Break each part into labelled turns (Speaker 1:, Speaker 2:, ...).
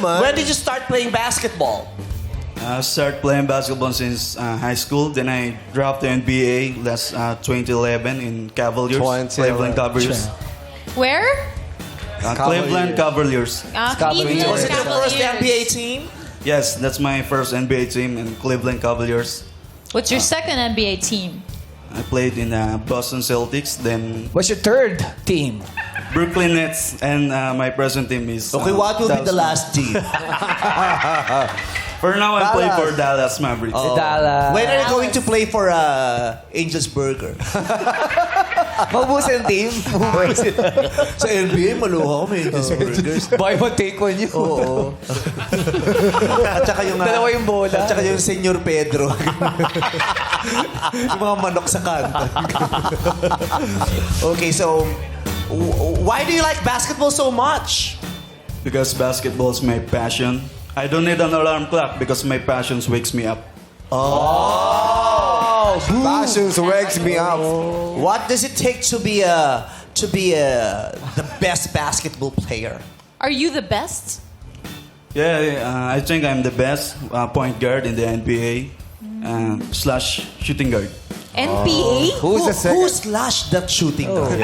Speaker 1: naman.
Speaker 2: When did you start playing basketball?
Speaker 3: I started playing basketball since high school. Then I dropped to NBA last 2011 in Cavaliers,
Speaker 1: 2011.
Speaker 3: Cleveland Cavaliers.
Speaker 4: Where?
Speaker 3: Cleveland Cavaliers.
Speaker 4: Cleveland
Speaker 2: Was it your first
Speaker 4: Cavaliers.
Speaker 2: NBA team?
Speaker 3: Yes, that's my first NBA team in Cleveland Cavaliers.
Speaker 4: What's your second NBA team?
Speaker 3: I played in Boston Celtics, then
Speaker 5: What's your third team?
Speaker 3: Brooklyn Nets, and my present team is...
Speaker 2: Okay, what will be the
Speaker 3: Dallas
Speaker 2: last team?
Speaker 3: For now, I play for Dallas Mavericks.
Speaker 5: Dallas.
Speaker 2: When are you going to play for Angel's Burger?
Speaker 5: Maubos ang team.
Speaker 2: Sa NBA, maluha ko may Angel's Burgers.
Speaker 5: Buy one, take one yun.
Speaker 2: Oo. At saka yung...
Speaker 5: Dalawa yung bola.
Speaker 2: At saka yung Senyor Pedro. Yung mga manok sa kanta. Okay, so... Why do you like basketball so much?
Speaker 3: Because basketball is my passion. I don't need an alarm clock because my passion wakes me up.
Speaker 1: Passions wakes me up.
Speaker 2: What does it take to be the best basketball player?
Speaker 4: Are you the best?
Speaker 3: Yeah, I think I'm the best point guard in the NBA slash shooting guard.
Speaker 4: NPA?
Speaker 1: Who's the second?
Speaker 2: Who slashed that shooting guard?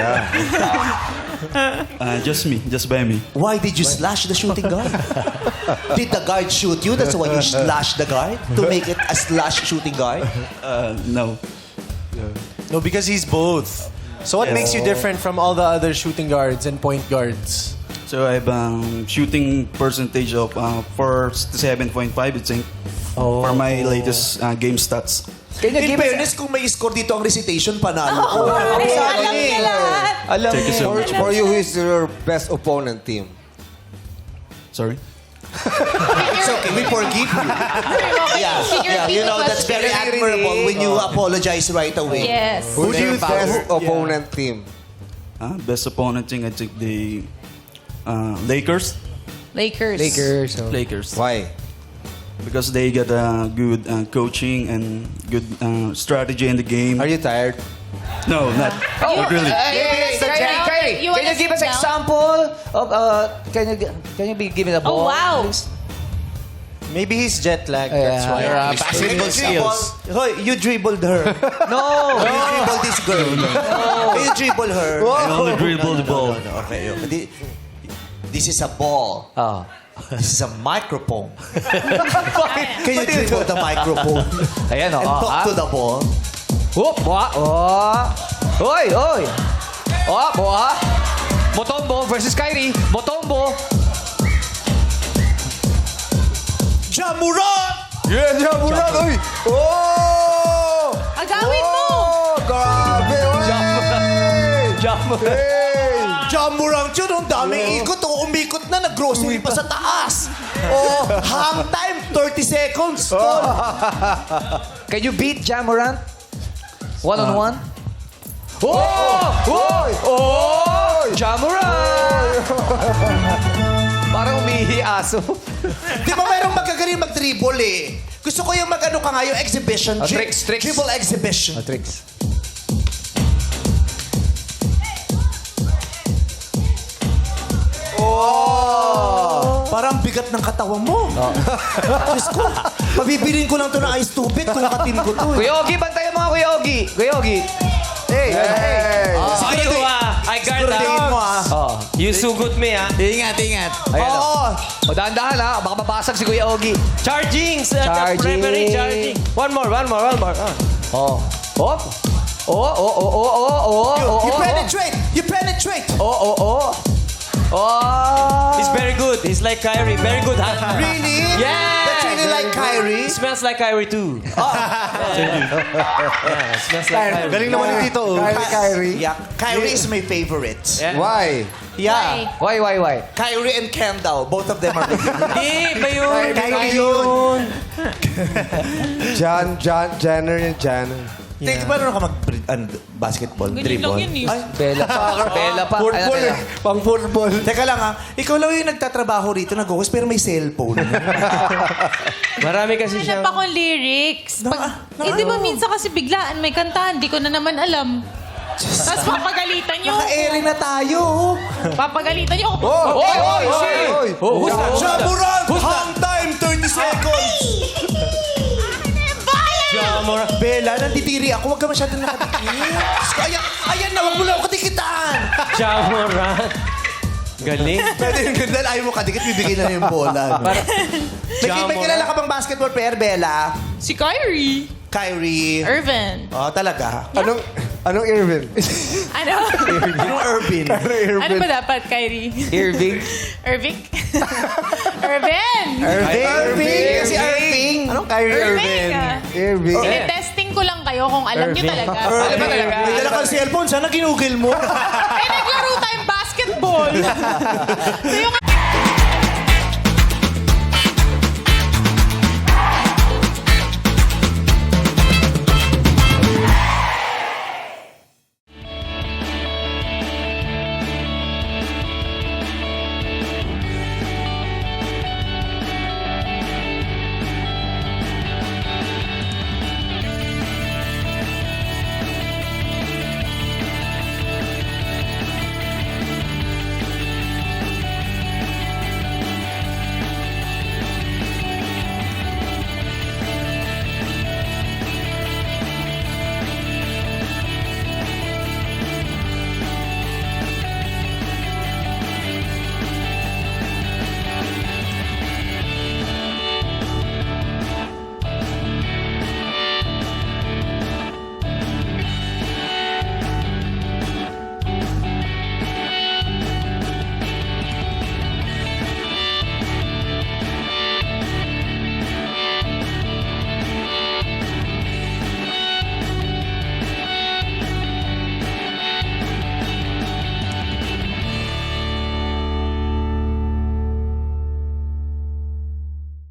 Speaker 3: Just me, just by me.
Speaker 2: Why did you slash the shooting guard? Did the guard shoot you? That's why you slashed the guard? To make it a slash shooting guard?
Speaker 3: No.
Speaker 6: No, because he's both. So what makes you different from all the other shooting guards and point guards?
Speaker 3: So I have shooting percentage of 47.5, I think, for my latest game stats.
Speaker 5: Can you
Speaker 2: In
Speaker 5: give us...
Speaker 2: fairness, kung may score dito ang recitation, panalo ko.
Speaker 4: Ay, alam niya lahat.
Speaker 5: Alam
Speaker 3: Thank you so
Speaker 5: mo.
Speaker 3: much.
Speaker 1: For you, who is your best opponent team?
Speaker 3: Sorry?
Speaker 2: It's okay, we forgive you. Yeah, you know, that's very admirable when you apologize right away.
Speaker 4: Yes.
Speaker 1: Who's your best opponent team?
Speaker 3: Best opponent thing, I think the Lakers.
Speaker 4: Lakers.
Speaker 3: Lakers.
Speaker 1: Why?
Speaker 3: Because they got good coaching and good strategy in the game.
Speaker 1: Are you tired?
Speaker 3: No, not really.
Speaker 5: Kyrie,
Speaker 4: You
Speaker 5: can
Speaker 4: wanna
Speaker 5: you give us
Speaker 4: sit down?
Speaker 5: example of... can you be given a ball?
Speaker 4: Oh, wow.
Speaker 5: please?
Speaker 6: Maybe he's jet lagged. That's why.
Speaker 2: Basketball skills. Hoy, you dribbled her.
Speaker 5: No.
Speaker 2: You dribbled this girl. You dribble her.
Speaker 3: I only dribble the ball.
Speaker 2: Okay. This is a ball.
Speaker 5: Oh.
Speaker 2: This is a microphone. Can you dribble the microphone
Speaker 5: Ayan,
Speaker 2: and talk to the ball?
Speaker 5: Whoop, Oy. Motombo versus Kyrie. Motombo.
Speaker 2: Jamuran!
Speaker 1: Yeah, Jamuran! Uy! Oh!
Speaker 4: Agawin mo!
Speaker 1: Oh, grabe!
Speaker 2: Jamuran yun, ang daming ikot. Oh, umikot na, nag-grocery pa sa taas. Oh, hang time, 30 seconds.
Speaker 5: Can you beat Jamorant? One-on-one? Oh! Jamorant! Parang umihi aso.
Speaker 2: Di ba mayroong magkagaling mag-dribble eh? Gusto ko yung mag-ano ka nga, yung exhibition.
Speaker 5: Tricks.
Speaker 2: Dribble exhibition.
Speaker 5: Tricks.
Speaker 2: Parang bigat ng katawan mo. Diyos ko, pabibilin ko lang to na ice tubig kung katim ko to. Eh.
Speaker 5: Kuya Ogie, bantayan mo nga Kuya Ogie. Kuya Ogie. Hey.
Speaker 7: I guard
Speaker 2: Siguraduhin mo ah.
Speaker 7: You sugot me, ha?
Speaker 5: Ayan
Speaker 2: Oo.
Speaker 5: o. Dahan-dahan ha. Baka mabasag si Kuya Ogie.
Speaker 7: Charging!
Speaker 5: Charging.
Speaker 7: Referee charging. One more.
Speaker 5: Oh.
Speaker 2: You penetrate! You penetrate!
Speaker 5: Oh.
Speaker 7: He's very good. He's like Kyrie. Very good, ha?
Speaker 2: Really?
Speaker 7: Yeah!
Speaker 2: That's really like Kyrie?
Speaker 7: It smells like Kyrie, too. Yeah, it smells like Kyrie.
Speaker 6: Galing naman ni Tito.
Speaker 1: Kyrie?
Speaker 2: Yeah, Kyrie is my favorite.
Speaker 7: Yeah.
Speaker 1: Why?
Speaker 2: Yeah.
Speaker 5: Why?
Speaker 2: Kyrie and Kendall, both of them are my favorite.
Speaker 7: Hindi, iba yun.
Speaker 2: Kyrie yun.
Speaker 1: Jenner.
Speaker 2: Tingnan ba ka mag-basketball?
Speaker 4: Ganyan lang yun eh.
Speaker 2: Ay,
Speaker 5: Bella pa.
Speaker 1: Football eh. Pang football.
Speaker 2: teka lang ha. Ikaw lang yung nagtatrabaho rito, nag-host, pero may cellphone.
Speaker 7: Marami kasi siya.
Speaker 4: Hanap akong lyrics. Di ba minsan kasi biglaan may kantahan, di ko na naman alam. Tapos papagalitan nyo.
Speaker 2: Naka-airy na tayo.
Speaker 4: Papagalitan nyo.
Speaker 5: Oy!
Speaker 2: Jamuran! ako, huwag ka masyadong nakadikit. Diyos ko, ayan na, huwag mo lang ako kadikitan.
Speaker 7: Jamoran. Galing.
Speaker 2: Pwede yung ganda, ayaw mo kadikit, bibigay na yung bola. No? May kilala ka bang basketball player, Bella?
Speaker 4: Si Kyrie.
Speaker 2: Kyrie.
Speaker 4: Irvin.
Speaker 2: Oh, talaga.
Speaker 1: Anong Irvin?
Speaker 4: Ano?
Speaker 2: Yung Irvin.
Speaker 4: Ano ba dapat, Kyrie?
Speaker 5: Irving.
Speaker 4: Irving? Irvin!
Speaker 2: Irving. Kasi Irving. Anong Kyrie
Speaker 4: Irving!
Speaker 1: Irving.
Speaker 4: Tinetesting ko lang kayo kung alam nyo talaga.
Speaker 2: Alam ba talaga? May dala kang cellphone, sana ginugil mo.
Speaker 4: Eh, naglaro tayong basketball. So yung